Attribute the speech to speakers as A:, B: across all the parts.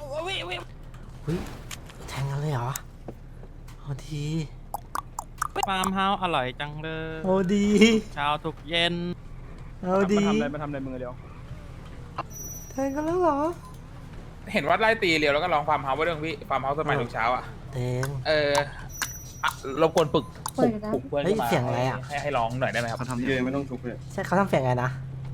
A: หุ้ยแทงกันเลยเหรอเอาดี
B: ฟาร์มเฮาส์อร่อยจังเลย
A: เอาดี
B: เช้าทุกเย็น
A: เอาดี
C: มาทำอะไรมึงเดียว
A: แทงกันแล้วเหรอ
D: เห็นว่าไล่ตีเรียวแล้วก็ลองฟาร์มเฮาส์ไว้ด้วยพี่ฟาร์มเฮาส์สมัยทุกเช้าอ่ะ
A: แทง
D: รบกวนปลุกเพื่อน
A: เฮ้ย
D: ขึ้นมา
A: เสียงอะไรอะ
D: ให้ร้องหน่อยได้ไหมครับ
C: เขาทำเยอะไม่ต้องชุบเลย
A: ใช่เขาทำเสียงไงนะ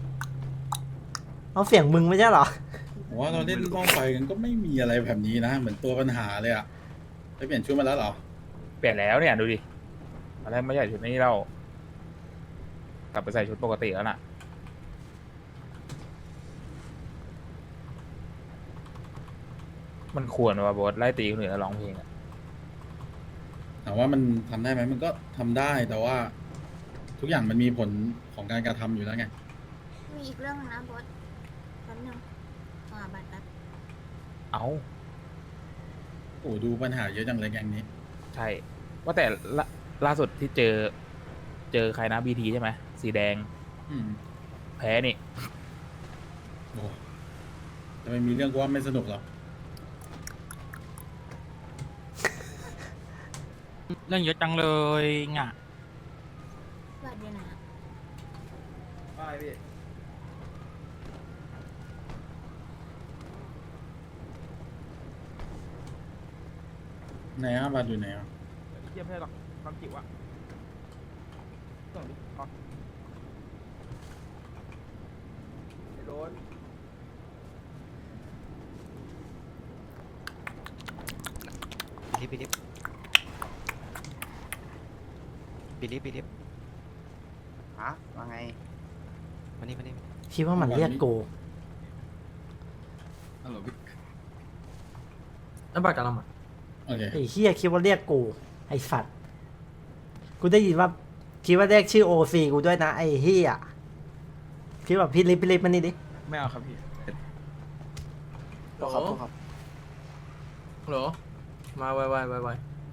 A: เอาเสียงมึงไม่ใช่เหรอ
E: ผมว่าเราเล่นล่องไฟกันก็ไม่มีอะไรแบบนี้นะ เหมือนตัวปัญหาเลยอะไปเปลี่ยนชุดมาแล้วเหรอ
D: เปลี่ยนแล้วเนี่ยดูดิตอนแรกไม่ใส่ชุดนี้เรากลับไปใส่ชุดปกติแล้วน่ะมันควรว่าบอสไล่ตีคนอื่นแล้วร้องเพลงอะ
E: ถามว่ามันทำได้ไหมมันก็ทำได้แต่ว่า ทุกอย่างมันมีผลของการกระทำอยู่แล้วไง
F: มีอีกเรื่องนึงนะบอสแป๊บนึงบัตรแป๊บ
D: เอ้า
E: โอ้ดูปัญหาเยอะจังเลยแกงนี้
D: ใช่ ว่าแต่ล่าสุดที่เจอใครนะบีทีใช่ไหมสีแดง
E: อืม
D: แพ้นี่
E: โอ้จะไม่มีเรื่องว่าไม่สนุกหรอก
B: เรื่องเยอะจังเลยง่ะ
F: บัตรเดี๋ยวนะ
E: ได้พี่ไหนอะบัตรอยู่ไหนอะ
D: เทียบให้หรอกความจิ๋วอะส่งดิอ๋อโดน
G: บิลิฟฮะว่าไงมานี่
A: คิดว่ามันเรียกกู
E: ฮัลโหลพี่
A: แล้วบัตรกำลังมา
E: โอเค
A: ไอ้เฮียคิดว่าเรียกกูไอ้สัตว์กูได้ยินว่าคิดว่าเรียกชื่อโอซีกูด้วยนะไอ้เฮียคิดว่าพี่ลิฟมันนี่ดิ
D: ไม่เอาครับพี่
G: ครับครับ
H: ฮัลโหลมาไว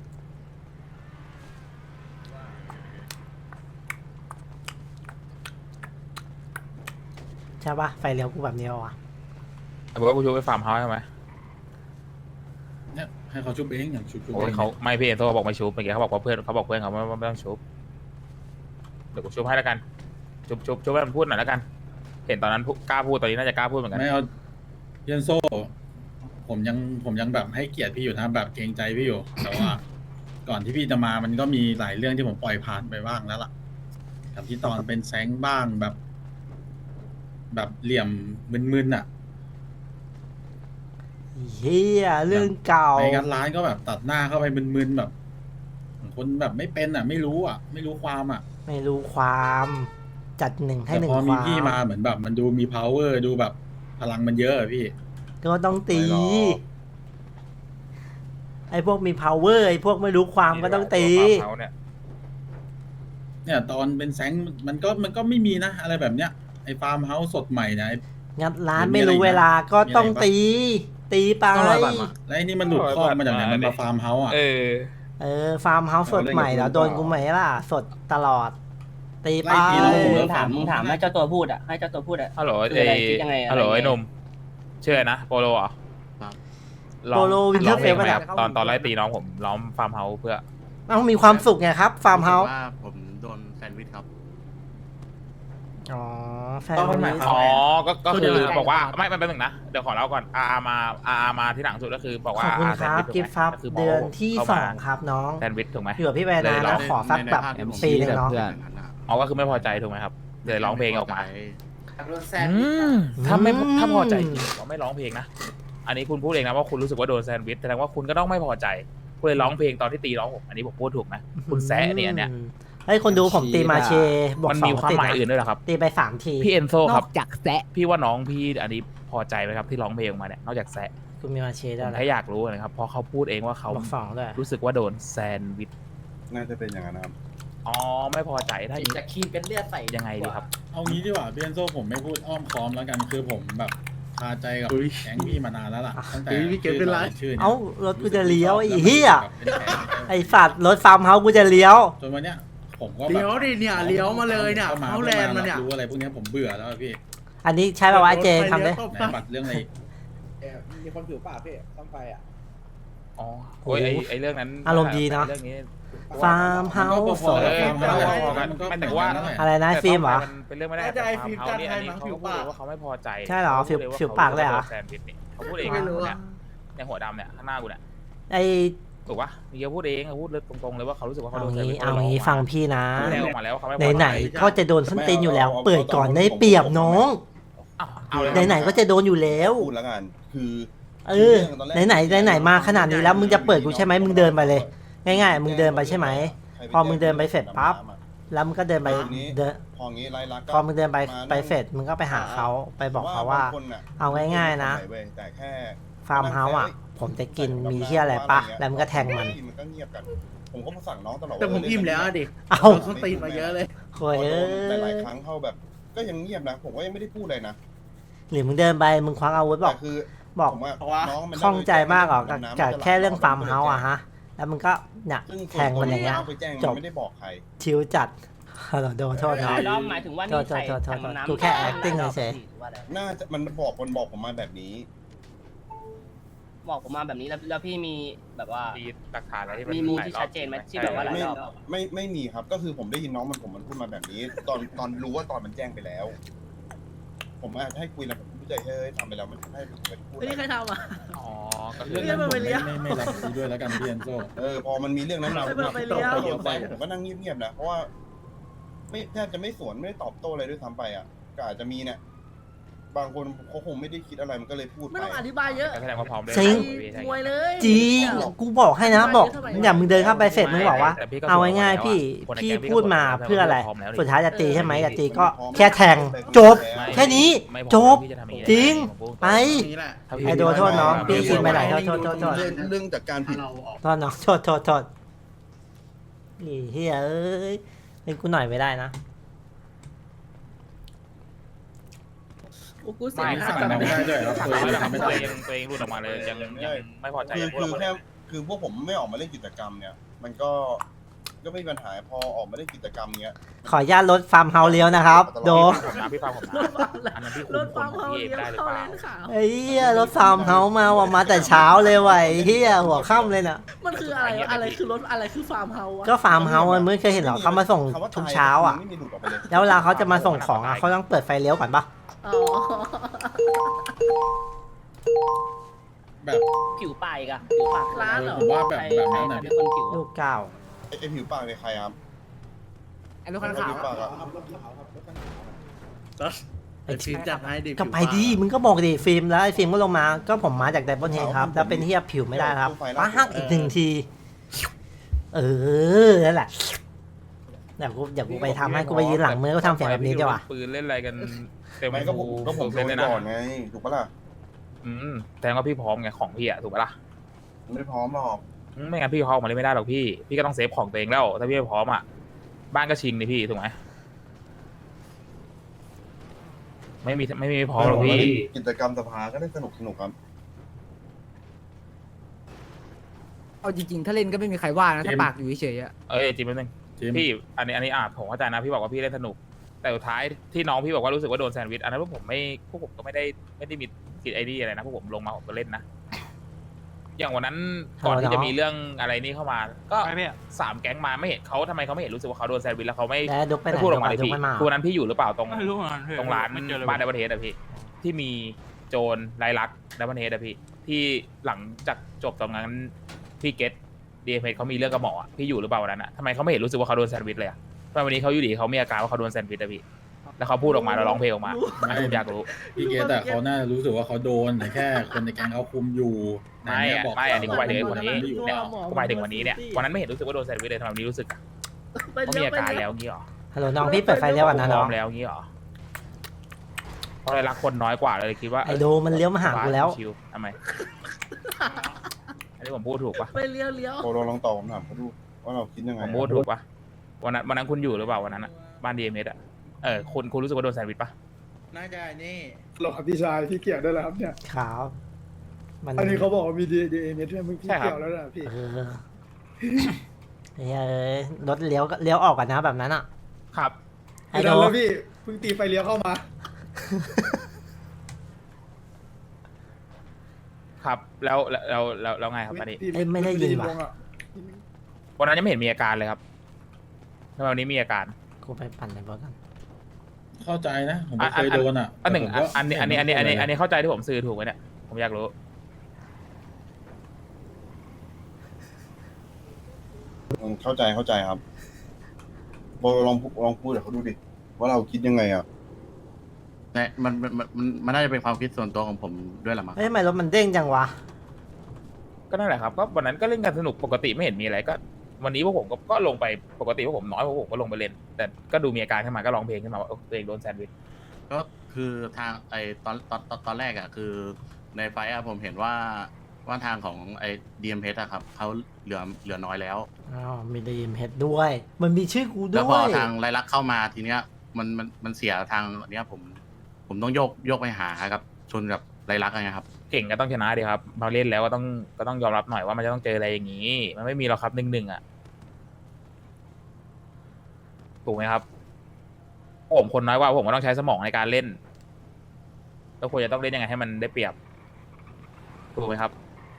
A: ใช่ปะไฟเลี้ยวกูแบบนี้วะ
D: บอกว่ากูชูไปฟาร์มเฮาส์ใช่ไหม
E: เนี่ยให้เขาชุบเองอย่างชุบ
D: โอ้ยเขาไม่พี่เอ็นโซบอกไม่ชูเมื่อกี้เขาบอกว่าเพื่อนเขาบอกเพื่อนเขาไม่ต้องชูเดี๋ยวกูชูให้แล้วกันชูให้มันพูดหน่อยแล้วกัน เห็นตอนนั้นกล้าพูดตอนนี้น่าจะกล้าพูดเหมือนกัน
E: ไม่เอาเยนโซผมยังแบบให้เกียรติพี่อยู่นะแบบเกรงใจพี่อยู่ แต่ว่า ก่อนที่พี่จะมามันก็มีหลายเรื่องที่ผมปล่อยผ่านไปบ้างแล้วล่ะกับที่ตอนเป็นแซงบ้างแบบเหลี่ยมมึนๆอ่ะ
A: เฮียเรื่องเก่า
E: ไปกันร้านก็แบบตัดหน้าเข้าไปมึนๆแบบคนแบบไม่เป็นอ่ะ ไม่รู้อ่ะ ไม่รู้ความอ่ะ
A: ไม่รู้ความจัดหนึ่งให้
E: แต่
A: หนึ่ง
E: พอ
A: ค
E: มี
A: วาม
E: พี่มาเหมือนแบบมันดูมี power ดูแบบพลังมันเยอะอะพี่
A: ก็ต้องตี
E: ไม่หรอก
A: ไอ้พวกมี power ไอ้พวกไม่รู้ความก็ต้องตี
D: ฟาร์มเฮาส์เนี่ย
E: เนี่ยตอนเป็นแซงมันก็ไม่มีนะ อะไรแบบเนี้ยไอ้ฟาร์มเฮาส์สดใหม่นะ
A: งัดร้าน
E: มี
A: ไม่
E: อะไร
A: รู้
E: อีก
A: เวลาก็ต้อง
E: มีอะไรปะ
A: ตีไป
H: ต้องรอบัตรมา
E: แล้วไอ้นี่มันหลุดข้อมาจากไหนมันมาฟาร์มเฮาส์อ่ะ
A: ฟาร์มเฮาส์สดใหม่แล้วโดนกูไหมล่ะ สดตลอด ตีไป
E: ไล่ตีน้องผมแล้ว
C: มึงถามให้เจ้าตัวพูดอ่ะให้เจ้าตัวพูดอ่ะ
D: ฮัลโหล
C: คืออะไรคิดยังไงอะไร
D: ฮัลโหล
C: ยังไง
D: ไอ้หนุ่มชื่ออะไรนะโปโลเหรอ
H: ครับ
A: โปโลวินเทอร์เฟล
D: ไหม
A: ป่ะ
D: ค
A: เนี่ย
D: รับตอนไล่ตีน้องผมล้อมฟาร์มเฮาส์เพื่อ
A: ต้องมีความสุขไงครับ ฟาร์มเฮาส์
H: ว่าผมโดนแซนด์วิชครับ
A: อ๋อแฟน
E: ต้อง
A: นี้
D: อ๋อก็
H: พูด
D: คื
H: ยัง
D: อ
H: ไง
D: บอกว่าไม่เป็นหนึ่งนะเดี๋ยวขอเล่าก่อนมาที่หลังสุดก็คือบอก
A: ข
D: ว่า
A: อบคุณครับกิฟต์ฟับเดือนที่ 2 ครับน้อง
D: แซนด์วิชถูกไหม
A: อยู่กับพี่แวนนา
D: เลยเหรอ
A: แล้วขอสักแบบ
H: ในภาพที่ผม
A: ปีหนึงเนาะ
D: อ๋อก็คือไม่พอใจถูกไหมครับเลยร้องเพลงออกมา
G: โดนแซน
D: ถ้าไม่ถ้าพอใจจริงเราไม่ร้องเพลงนะ อันนี้คุณพูดเองนะว่าคุณรู้สึกว่าโดนแซนด์วิชแสดงว่าคุณก็ต้องไม่พอใจคุณเลยร้องเพลงตอนที่ตีร้องผมอันนี้ผมพูดถูกไหมคุณแซะเนี่ยอันเนี่ย
A: ให้คนดูผมตีมาเชบวก
D: มัน
A: สอ
D: มี
A: ง
D: ความ
A: ติด
D: หมาย
A: นะ
D: อื่นด้วยเหรอครับ
A: ตีไป3 ที
D: พี่เอนโซครับ
G: จากแซะ
D: พี่ว่าน้องพี่อันนี้พอใจไหมครับที่ร้องเพลงออกมาเนี่ยนอกจากแซะ
A: คุณมีมาเช
D: ผ
A: ได้
D: ม
A: แล้ว
D: แค่อยากรู้นะครับเพราะเขาพูดเองว่าเขา
A: บวก2ด้วย
D: รู้สึกว่าโดนแซนด์วิช
C: น่าจะเป็นอย่างนั้นครับ
D: อ๋อไม่พอใจถ้าอย่างนี้
G: จะคีบเป็นเลือดใส่
D: ยังไงดีครับ
E: เอางี้ดีกว่าเบียนโซผมไม่พูดอ้อมค้อมแล้วกันคือผมแบบคาใจกับแก๊งพี่มานานแล้วล่ะตั้งแต่
H: พี่เก็บเป็นไร
E: ชื่อนี่ย
A: เอ้ารถกูจะเลี้ยวไอ้เหี้ย
E: เป็นแผน
A: ไอ้สัตว์รถฟาร์มเฮาส์กูจะเลี้ยว
E: จนวันเนี้ยผมก็แบบ
H: เลี้ยวดิเนี่ยเลี้ยวมาเลยเนี่ย
E: ข้
H: เข้าแลนด์มาเนี่ย
E: รู้อะไรพวกเนี้ยผมเบื่อแล้วอะพี่
A: อันนี้ใช่ป่าวะไอ้เจทำเลย
E: ไหนบัตรเรื่องอะไร
I: มีคนผิวปากพี่ต้องไปอ่ะ
D: อ๋อโอ้ยไอเรื่องนั้น
A: อารมณ์ดีนะ
D: เรื่องนี้
A: ฟาร์มเฮา
E: มันก็
A: ส์
E: พอ
D: เอ
E: แล้ว
D: อ
E: ฟาร์ม
D: มัน
E: เฮาส์
D: ก็พอกัน
E: มันก็
D: ไม่แต่ว่า
E: นั่นแหละ
A: อะไรนะฟิล์มเหรอ
D: มันเป็นเรื่องไม่ได้
I: น่าจะไอ้
D: แต่
I: ฟิล์ม
D: ฟาร์มเฮาส์นี่
I: จั
D: อั
I: ด
D: น
I: ให้
D: นี้
I: มั้ง
D: เขา
I: ผิ
D: ก็
I: ว
D: พูด
I: ปาก
D: เลยว่าเขาไม่พอใจ
A: ใช่เหรอผิว
D: ข
A: ผิวปากเลยเหรอ
D: โดนแซนด์วิชนี่เขาพูดเอง
I: ไม่รู้
D: เนี่ยในหัวดำเนี่ยข้างหน้ากูเนี่ย
A: ไอ
D: ถูกปะมีเขาพูดเองเขาพูดเลยตรงๆเลยว่าเขารู้สึกว่าเขา
A: เอา
D: โดนแซนด์วิ
A: งี้
D: ช
A: เอางี้ฟังพี่นะ
D: แสดงออกมาแล้วว่าเขาไม่พอใจ
A: ไหนๆก็จะโดนส้นตีนอยู่แล้ว เปิดก่อนได้เปรียบน้อง
D: อ้าวเอาเลย
A: ไหนๆก็จะโดนอยู่แล้ว
C: พูดแล้วกันคือ
A: เออไหนๆมาขนาดนี้แล้วมึงจะเปิดกูใช่ไหมมึงเดินไปเลย ง่ายๆมึงเดินไปใช่ไหม พอมึงเดินไปเสร็จปั๊บ แล้วมึงก็เดินไปเดิน
C: พองี้ไล่ลัก
A: พอมึงเดินไปเสร็จมึงก็ไปหาเขาไปบอกเขาว่า เอาง่ายๆนะ
C: แต่แค่
A: ฟาร์มเฮาส์อ่ะ ผมจะกินมีเที่ยอะไรปะแล้วมึงก็แทงมัน
C: มันก็เงียบกัน ผมก็สั่งน้องตลอด
I: แต่ผมอิ่มแล้วอะดิ
A: เอา
I: โดนส้นตีนมาเยอะเลย
A: โวย
C: โด
A: เอ้
C: นแต่หลาย
A: ย
C: ครั้งเขาแบบ ก็ยังเงียบนะ ผมก็ยังไม่ได้พูดเลยนะ
A: หรือมึงเดินไปมึงควักอาวุธบ
C: แต่
A: อก
C: คือ
A: บอก
C: ผมว่า
I: เพราะว่า
C: น้องมัน
A: ข้องใจมากหรอก
C: ดำน้ำ
A: กับ
C: มันจะ
A: แค่เรื่อง
C: หลับ
A: ฟาร์มเฮาส์อะฮะ แล้วมึงก็เนี่ย
C: ซึ่ง
A: แทงมันอย่างเงี้ย
C: ไปแจ้ง
A: จ
C: มั
A: บ
C: นไม่ได้บอกใคร
A: ชิวจัดเราโดนโทษเนาะ
C: แล้วหมายถึงว่า
A: โทษกูแค่ acting เฉย
C: น่าจะมันบอกผมมาแบบนี้
J: บอกผมมาแบบนี้แล้วพี่มีแบบว่า
D: มีหลักฐานอะไรที่
J: มีมูลที่ชัดเจนไหมที่แบบว่า
C: ไม่มีครับ ก็คือผมได้ยินน้องมันพูดมาแบบนี้ ตอนรู้ว่าตอนมันแจ้งไปแล้ว ผมอาจจะให้คุยแล้วผมพูดใจเฮ้ยทำไปแล้วมันให้ผมไปพูด
I: ไม่ได้ใครทำอ่ะ
D: อ๋อก็คื
E: เรื่
D: อ
E: องนั้นผม
I: ไปเลี้ยว
E: ไม่รับรู้ด้วยแล้วกันพี่เอนโซ
C: พอมันมีเรื่องนั้นมา
I: ไปเลี้ยว
C: ผมก็นั่งเงียบๆนะเพราะว่าไม่แทบจะไม่สวนไม่ได้ตอบโต้อะไรด้วยซ้ำไปอ่ะก็อาจจะมีเนี่ยบางคนเขาคงไม่ได้คิดอะไรมันก็เลยพูด
I: ไม่
C: ไป
I: ต้องอธิบายเยอะ
D: แสดงว่าพร้อมเลย
A: จริง
I: มวยเลย
A: จริงกูบอกให้นะบอกเนี่ยมึงเดินเข้าไปเสร็จมึงบอกว่า เอาง่ายๆพี่พูดมาเพื่ออะไร สุดท้ายจะตีใช่ไหมจะตีก็แค่แทงจบ แค่นี้
D: ไม่พอ
A: จบ
D: พี่ะทำอย่างนี้
A: จริง
D: ผมพูด
A: ไป
I: นี่แหละ
D: ถ้าพี่
A: ไอ้โดนโทษน้องพี่คิดไม่ได้โทษ
C: เรื่องจากการผิด
A: โทษน้องโทษนี่เฮ้ยเอ้ยเล่นกูหน่อยไม่ได้นะ
I: โอ้กูเสีย
D: ไม่
I: ง
E: สั่ง
I: แบบ
E: น้องได้ด้วยครับ
D: ตัว
E: ตัว
D: เอ
E: เอง ง
D: ตัวเองหลุดออกมาเลยยังไม่พอใจ
C: คือ
D: พูดออกมา
C: แค่
D: เลย
C: คือพวกผมไม่ออกมาเล่นกิจกรรมเนี่ย มันก็ไม่มีปัญหาพอออกมาเล่นกิจกรรมเนี้ย
A: ขออนุญาตรถฟาร์มเฮาส์เลี้ยวนะครับ โด
D: พี่ฟังผมนะอันนั้นพี่คุ
I: ร
D: ม
I: ถ
D: ค
I: ฟั
D: น
I: ง
D: ของ
I: เขา
D: พี่เอง
I: เลี้ยว
D: ได้หรือ
I: เข้า
D: เป
I: เล
D: ล่าน
I: ขาว
A: ไอ้เหี้ยรถฟาร์มเฮาส์มาแต่เช้าเลยว่ะไอ้เหี้ยหัวค่ำเลยน่ะ
I: มันคืออะไรวะอะไรคือรถอะไรคือฟาร์มเฮาส์วะ
A: ก็ฟาร์มเฮาส์มันไม่เคยเห็นหรอเขามาส่ง
C: คำว่า
A: ทุก
C: ตาย
A: เช้าอ่ะ
C: ไม่มีหลุดออกไปเลย
A: แล้วเวลาเขาจะมาส่งของอ่ะเขาต้องเปิดไฟเลี้ยวก่อนปะ
I: อ๋อ
E: แบบ
J: ผิวปากอีกอะผิวปาก
I: ร้านเหรอ
E: ผมว่าแบบนั้นน่ะ
J: เป็นคนผิว
A: ลูกเก้า
C: ไอ้ผิวปากในใครครับ
I: ไอ้รถคันขาว
C: ผิวปากอะ
I: ไอ้ฟิล์มจัดให้ดิ
A: ก็ไปดิมึงก็บอกดิฟิล์มแล้วไอ้ฟิล์มก็ลงมาก็ผมมาจากไดบอนเฮดครับแล้วเป็นเฮียผิวไม่ได้ครับป้าฮักอีกหนึ่งที นั่นแหละเดี๋ยวกูไปทำให้กูไปยืนหลังมือก็ทำเสียงแบบนี้ดีกว่า
D: ปืนเล่นอะไรกันเต็ม
C: ไม่ก็ผมโด
D: เล่
C: น
D: นเลยนะ
C: ก่อนไงถูกปะล่ะ
D: แสดงว่าพี่พร้อมไงของพี่อะถูกปะล่ะ
C: ไม่พร้อมหรอก
D: ไม่งั้นพี่เข้ามาเล่นไม่ได้หรอกพี่ก็ต้องเซฟของตัวเองแล้วถ้าพี่ไม่พร้อมอ่ะบ้านก็ชิงนี่พี่ถูกไหมไม่มีพร้อมหรอกพี่
C: กิจกรรมสภาก็ได้สนุกครับ
K: เอาจริงๆ ถ้าเล่นก็ไม่มีใครว่านะ ถ้าปากอยู่เฉยๆอะ
D: จริงแป๊บนึง
E: ทีม
D: พี่อันนี้ผมเข้าใจนะพี่บอกว่าพี่เล่นสนุก แต่สุดท้ายที่น้องพี่บอกว่ารู้สึกว่าโดนแซนด์วิชอันนั้นพวกผมก็ไม่ได้มีกิจไอเดียอะไรนะพวกผมลงมาผมก็เล่นนะอย่างวันนั้นก่อนที่จะมีเรื่องอะไรนี่เข้ามา ก็
B: ไปพี่
D: 3 แก๊งมาไม่เห็นเขาทำไมเขาไม่เห็นรู้สึกว่าเขาโดนแซนด์วิชแล้วเขาไม่
A: แล้วดุกไปไหน
D: ไม่พูดออกมาเลย
A: ดุก
D: พี่
A: ไม่มา
D: คือวันนั้นพี่อยู่หรือเปล่าตรง
B: ไม่รู้เหมือนกันพี่
D: ตรงร้าน
B: ไม่เจอเลย
D: บ้านไดบันเทสอะพี่ที่มีโจรลายลักษณ์ไดบันเทสอะพี่ที่หลังจากจบตรงนั้นพี่เกตดีเอ็มเอเขามีเรื่องกับหมออะพี่อยู่หรือเปล่าวันนั้นอะทำไมเขาไม่เห็นรู้สึกว่าเขาโดนแซนด์วิชเลยอะทำไมวันนี้เขาอยู่ดีเขามีอาการว่าเขาโดนแซนด์วิชอะพี่แล้วเขาพูดออกมาแล้วร้องเพลงออกมาผมอยากรู้
E: พี่เกตแต่เขาน่ารู้สึกว่าเขาโดนแต่แค่คนในแก๊งเขาคุมอยู่
D: ไม่อะไม่อันนี้ก็หมายถึงไอ้คนนี้
E: อยู่
D: เนี่ยก็หมายถึงวันนี้เนี่ยวันนั้นไม่เห็นรู้สึกว่าโดนแซนด์วิชเลยทำไมวันนี้รู้สึกอะ
I: ไป
D: เขา
I: เลี้
D: มี
I: ยว
D: อา
I: ไป
D: การ
I: เลี้
D: แล้
I: ยว
D: วงี้หรอ
A: ฮัลโหลน้องพี่เปิดไฟเลี้ยวก่อนนะ
D: พ
A: น้
D: ร้
A: อ
D: อง มแล้วงี้หรอเพราะอะไรรักคนน้อยกว่าเลยคิดว่า
A: ไอโดมันเลี้ยวมาหากูแล้ว
D: ชิทำไมอันนี้ผมพูดถูกปะ
I: ไปเลี้ยวเลี้ยว
C: โปรลองตอบผมถามเขาดูว่าเราคิดยังไง
D: ผมพูดถูกปะวันนั้นคุณอยู่หรือเปล่าวันนั้นอะบ้านดีเอ็มเอสอะคุณรู้สึกว่าโดนแซนด์วิชปะ
I: น่าจะนี่
L: หรอครับพี่ชายพี่เกี่ยวด้วยแล้วครับเนี่ย
A: ขาวมัน
L: อันนี้เขาบอกว่ามีดีเอ็มเอสด้วยมึงพี่เกี่ยวแล้วนะพี่
A: เฮ้ยรถเลี้ยวออกกันนะแบบนั้นอ่ะ
D: ครับ
A: ไอ
L: ไม่
A: โด
L: ได้แล้วพี่เพิ่งตีไฟเลี้ยวเข้ามา
D: ครับแล้วไงครับอันนี้
L: พี่
A: เอ้ยไม่ได้ยินว่ะ
L: วงอะ
D: วันนั้นยังไม่เห็นมีอาการเลยครับทำไมวันนี้มีอาการ
A: กูไปปั่นในบอสกัน
E: เข้าใจนะผมไม่เคยโดนอ่ะ
D: อันหนึ่ง
E: แต่ผมก็
D: อันนี้เข้าใจที่ผมสื่อถูกไหมเนี่ยผมอยากรู้
C: เข้าใจครับโบลองพูดเดี๋ยวเขาดูดิว่าเราคิดยังไงอ่ะ
G: แต่มันน่าจะเป็นความคิดส่วนตัวของผมด้วยแหละมั้ง
A: เฮ้ยทำไมรถมันเด้งจังวะ
D: ก็นั่นแหละครับก็วันนั้นก็เล่นกันสนุกปกติไม่เห็นมีอะไรก็ วันนี้พวกผมก็ลงไปปกติพวกผมน้อยพวกผมก็ลงไปเล่นแต่ก็ดูมีอาการขึ้นมาก็ร้องเพลงขึ้นมาว่าตัวเองโดนแซนด์วิช
G: ก็คือทางตอนแรกอ่ะคือในไฟท์อะผมเห็นว่าทางของไอ้ดีเอ็มเพชอะครับเขาเหลือน้อยแล้ว
A: อ้าวมีดีมเฮดด้วย มันมีชื่อกูด้
G: แล้ว วพอ
A: ย
G: ทางไรลักษณ์เข้ามาทีเนี้ยมันเสียทางเนี้ยผมต้องโยกไปหาครับชนกับไรลักษณ์นะครับ
D: เก่งก็ต้องชนะดีครับมาเล่นแล้วก็ต้องยอมรับหน่อยว่ามันจะต้องเจออะไรอย่างนี้ มันไม่มีหรอกครับ1-1อ่ะถูกไหมครับผมคนน้อยกว่าผมก็ต้องใช้สมองในการเล่นแล้วควรจะต้องเล่นยังไงให้มันได้เปรียบถูกไหมครับ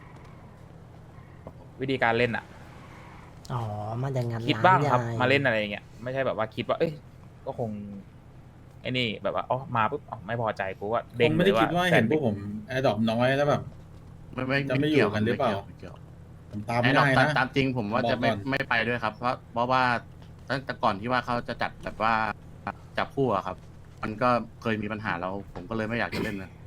D: วิธีการเล่นอ่ะ
A: อ๋อมันอย่างงั้น
D: คิดบ้างครับ
A: ยย
D: มาเล่นอะไรอย่างเงี้ยไม่ใช่แบบว่าคิดว่าเอ้ยก็คงไอ้นี่แบบว่าอ๋อมาปุ๊บอ๋อไม่พอใจกูว่า
E: ผ
D: เด้ง
E: ม
D: เล
E: ไม่ได้
D: ย
E: คิดว่า
D: ว่า
E: เห็นพวกผมแอร์ดรอปน้อยแล้วแบบ จะไม่อยู่กันหรือเปล่า
G: ไม่เกี่ยว
E: ผมตาม
G: ไอ้
E: ไม่
G: ดอก
E: ได้นะ
G: ตามจริงผมว่า
E: บอก
G: จะ
E: ก่อน
G: ไม่ไปด้วยครับ เพราะว่าตั้งแต่ก่อนที่ว่าเขาจะจัดแบบว่าจับคู่อะครับ มันก็เคยมีปัญหาแล้วผมก็เลยไม่อยากจะเล่นนะ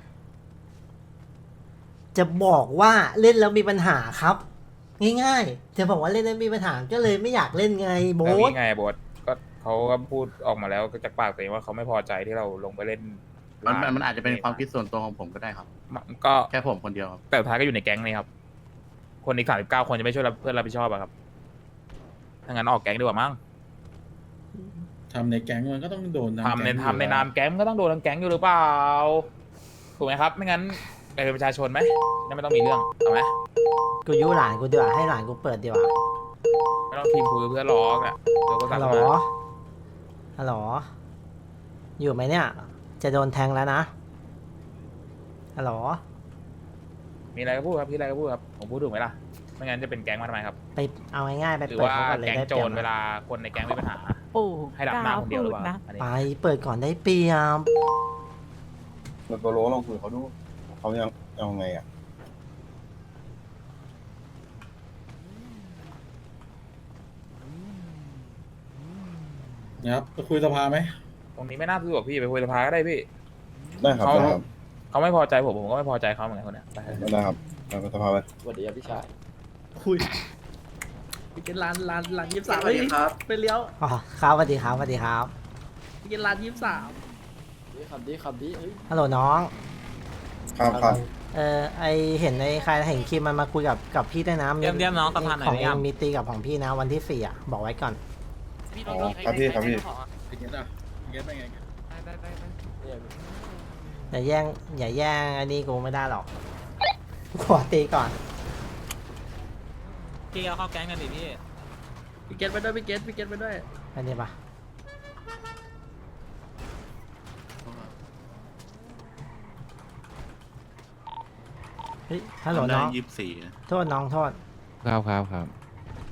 A: จะบอกว่าเล่นแล้วมีปัญหาครับ ง่ายๆ จะบอกว่าเล่นแล้วมีปัญหาก็เลยไม่อยากเล่นไงโบ๊
D: แล้ว
A: ท
D: นี่ไงบอสก็เขาก็พูดออกมาแล้วจากปากตัวเองว่าเขาไม่พอใจที่เราลงไปเล่น
G: มันอาจจะเป็นความคิดส่วนตัวของผมก็ได้ครับ
D: มันก็
G: แค่ผมคนเดียวครับ
D: แต่สุดท้ายก็อยู่ในแก๊งนี่ครับ คนอีก39 คนจะไม่ช่วยเพื่อนรับผิดชอบอะครับถ้างั้นออกแก๊งดีกว่ามั้ง
E: ทำในแก๊งมันก็ต้องโดน
D: ทำในนามแก๊งก็ต้องโดนทั้งแก๊งอยู่หรือเปล่าถูกไหมครับไม่งั้นไปเป็นประชาชนไหมนั่นไม่ต้องมีเรื่องเอาไหม
A: กูยุหลานกูดีกว่าให้หลานกูเปิดดีกว่า
D: ไม่ต้องทีมคุยเพื่อนร้องเนี่ยเดี๋ยวก็
A: ฮั
D: สั่
A: ล
D: ง
A: โหล
D: มา
A: ฮัลโหลอยู่ไหมเนี่ย จะโดนแทงแล้วนะฮัลโหล
D: มีอะไรก็พูดครับพี่อะไรก็พูดครับผมพูดถูกไหมล่ะไม่งั้นจะเป็นแก๊งมาทำไมครับ
A: ไปเอาง่ายๆไป
D: หรือ
A: เปิด
D: ว่า
A: เขาก่อนเลย
D: แก๊ง
A: ได้
D: โจ
A: เปรีย
D: ร
A: บ
D: เวลาคนในแก๊งมีปัญหา
K: โอ้
D: ให้ดับหน้าคนเดียวหรือเปล่าอันนี้
A: ไปเปิดก่อนได้เปรียบ
C: แล้วโบลองคุยกับเขาดูเขายังเอาไงอ่ะ
E: นะครับจะคุยสภาไหม
D: ตรงนี้ไม่น่าสะดวกพี่ไปคุยสภาก็ได้พี่
C: ได้ครับ
D: เขา
C: ได้ครับ
D: เขาไม่พอใจผมก็ไม่พอใจเขาเหมือนกันคนเนี้ยไป
C: ได้ครับไปสภาไป
I: สวัสดีครับพี่ชาย
L: คุยไปกินร้าน23เฮ้ยไปเลี้ยว
A: อ๋อครับสวัสดีครับสวัสดีครับ
L: ไปกินร้าน23
I: ดีครับดีเอ้ย
A: ฮัลโหลน้อง
C: ครับ
A: ไอเห็นในใครเห็นคลิปมันมาคุยกับพี่ด้วยนะ
B: เยี่ยมน้องสะพานหน่อย
A: ของ
B: ไหม
A: เอ
B: ครับ
A: งมีตีกับของพี่นะวันที่4อ่ะบอกไว้ก่อน
C: อ๋อครับพี่
E: ไปเก็ตอ่ะไปเก็ตไปไง
A: อย่าแย่งอันนี้กูไม่ได้หรอกขอตีก่อน
B: พี่เอาเข้าแก๊งกันดิพี่
L: พี่เกตไปด้วยพี่เกตไปด้วย
A: อันนี้ปะเฮ้ยฮัลโหลน้อง
G: 24
A: โทษน้องโทษ
M: ครับ